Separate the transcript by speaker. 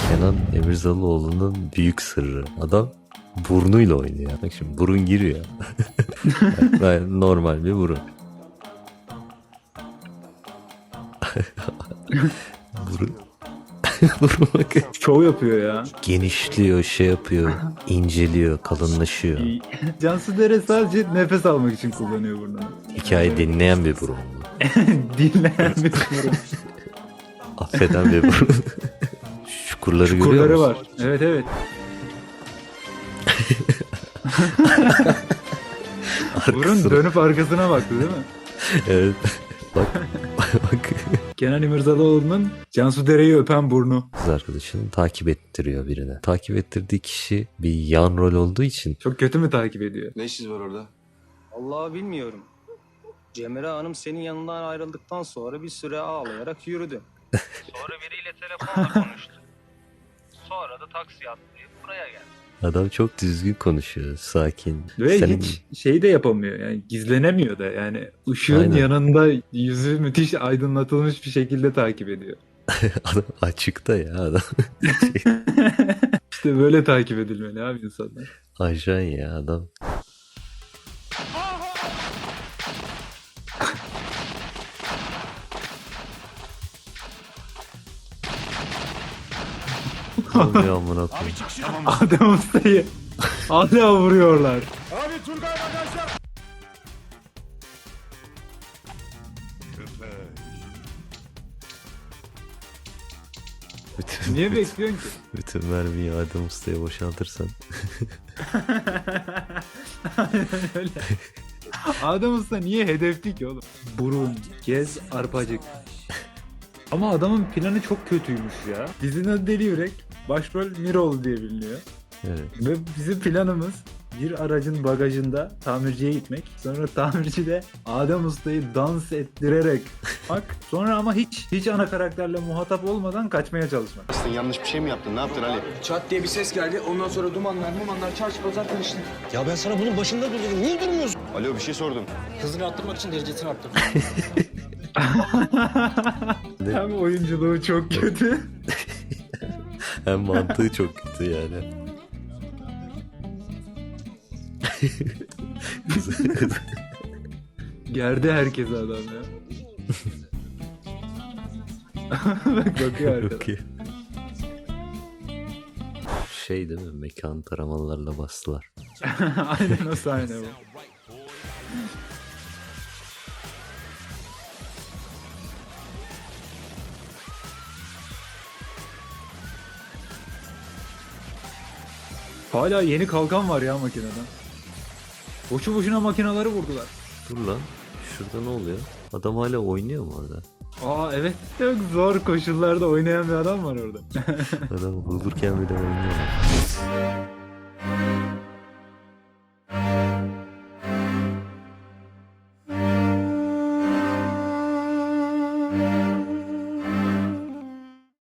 Speaker 1: Kenan Emirzalıoğlu'nun büyük sırrı. Adam burnuyla oynuyor. Bak şimdi burun giriyor. Gayet normal bir burun. Burun. Burun bak.
Speaker 2: Şov yapıyor ya.
Speaker 1: Genişliyor, şey yapıyor, inceliyor, kalınlaşıyor.
Speaker 2: Cansu Dere sadece nefes almak için kullanıyor burnunu.
Speaker 1: Hikaye dinleyen bir burun bu.
Speaker 2: Dinleyen bir burun.
Speaker 1: Affeden bir burun. Çukurları görüyor
Speaker 2: Çukurları
Speaker 1: musun?
Speaker 2: var. Evet evet. Burun dönüp arkasına baktı değil mi?
Speaker 1: Evet. Bak. Bak.
Speaker 2: Kenan İmirzalıoğlu'nun Cansu Dere'yi öpen burnu.
Speaker 1: Kız arkadaşını takip ettiriyor birine. Takip ettirdiği kişi bir yan rol olduğu için
Speaker 2: Çok kötü mü takip ediyor?
Speaker 3: Ne işiniz var orada?
Speaker 4: Vallahi bilmiyorum. Cemre Hanım senin yanından ayrıldıktan sonra bir süre ağlayarak yürüdü. Sonra biriyle telefonla konuştu. Sonra da taksiye atlayıp buraya geldi.
Speaker 1: adam çok düzgün konuşuyor, sakin.
Speaker 2: Ve
Speaker 1: Senin-
Speaker 2: hiç şey de yapamıyor yani gizlenemiyor da yani ışığın
Speaker 1: Aynen.
Speaker 2: yanında yüzü müthiş aydınlatılmış bir şekilde takip ediyor.
Speaker 1: Adam açıkta ya adam.
Speaker 2: İşte böyle takip edilmeli abi insanlar.
Speaker 1: Ajan ya adam. Ne oluyor amına koyayım?
Speaker 2: Adem Usta'yı hala vuruyorlar.
Speaker 1: Bütün,
Speaker 2: Niye bekliyorsun ki?
Speaker 1: bütün mermiyi Adem Usta'ya boşaltırsan.
Speaker 2: Aynen öyle. Adem Usta niye hedefti ki oğlum? Burun, gez, arpacık. Ama adamın planı çok kötüymüş ya. Dizinin adı Deli Yürek. Başrol Miroğlu diye biliniyor.
Speaker 1: Evet.
Speaker 2: Ve bizim planımız bir aracın bagajında tamirciye gitmek. Sonra tamircide Adem Usta'yı dans ettirerek bak. Sonra ama hiç ana karakterle muhatap olmadan kaçmaya çalışmak.
Speaker 3: Sen yanlış bir şey mi yaptın? Ne yaptın Ali?
Speaker 5: Çat diye bir ses geldi. Ondan sonra dumanlar, çarşı pazar karıştı.
Speaker 6: Ya ben sana bunun başında dur dedim. Niye durmuyorsun?
Speaker 3: Alo bir şey sordum.
Speaker 5: Hızını arttırmak için derecesini arttırdım.
Speaker 2: Hem oyunculuğu çok kötü.
Speaker 1: Hem mantığı çok kötü yani.
Speaker 2: Gerdi herkes adam ya. Bak bakıyor arkadaş.
Speaker 1: Çok iyi. Şey değil mi? Mekan taramalarla bastılar.
Speaker 2: Aynen o sahne bu. Hala yeni kalkan var ya makineden. Boşu boşuna makineleri vurdular.
Speaker 1: Dur lan. Şurada ne oluyor? Adam hala oynuyor mu orada?
Speaker 2: Aa evet. Çok zor koşullarda oynayan bir adam var orada.
Speaker 1: Adam vururken bile oynuyor.